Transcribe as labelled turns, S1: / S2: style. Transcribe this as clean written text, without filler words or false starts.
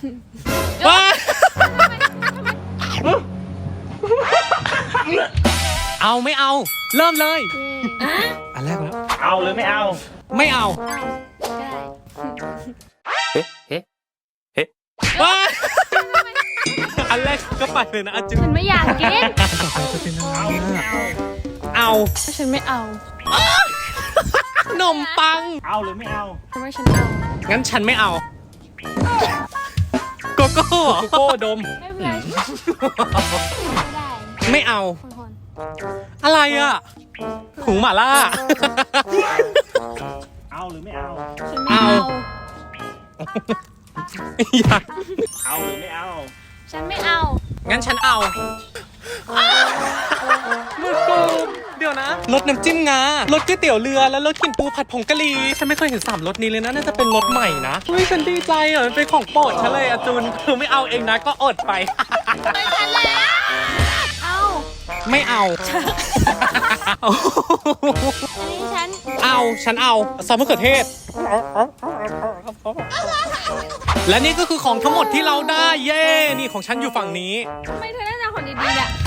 S1: ว้าเอาไม่เอา เริ่มเลย อันแรกแล้ว
S2: เอาหรือไม่เอา
S1: ไม่เอา
S2: เฮ้
S1: ว้าอันแรกก็ไปเลยนะอาจุ
S3: ฉันไม่อยากกิน
S2: เอาหรือไม่เอา
S1: เอา
S3: ฉันไม่เอา
S1: ขนมปัง
S2: เอาหรือไม่เอา
S3: ทำไมฉันเอา
S1: งั้นฉันไม่เอา โกโก้เหรอโกโก้ดม
S3: ไม่เป็นไรไม่ได้
S1: ไม่เอา
S3: คน
S1: อะไรอ่ะถุงหม่าล่า
S2: เอาหรือไม่เอา
S3: ฉันไม่เอา
S1: อยาก
S2: เอาหรือไม่เอา
S3: ฉันไม่เอา
S1: งั้นฉันเอามือกูเดี๋ยวนะรสน้ำจิ้มงารสก๋วยเตี๋ยวเรือแล้วรสกลิ่นปูผัดผงกะหรี่ฉันไม่เคยเห็น3รสนี้เลยนะน่าจะเป็นรสใหม่นะเฮ้ยฉันดีใจอ่ะมันเป็นของโปรดฉันเลยอะจูนคือไม่เอาเองนะก็อดไป
S3: ไม่ฉันแล้ว เอา
S1: ไม่เอา
S3: อันนี้ฉัน
S1: เอาฉันเอาซอสมะเขือเทศ และนี่ก็คือของทั้งหมดที่เราได้เย้นี่ของฉันอยู่ฝั่งนี้
S3: ทำไมเธอได้แต่ของดีๆเนี่ย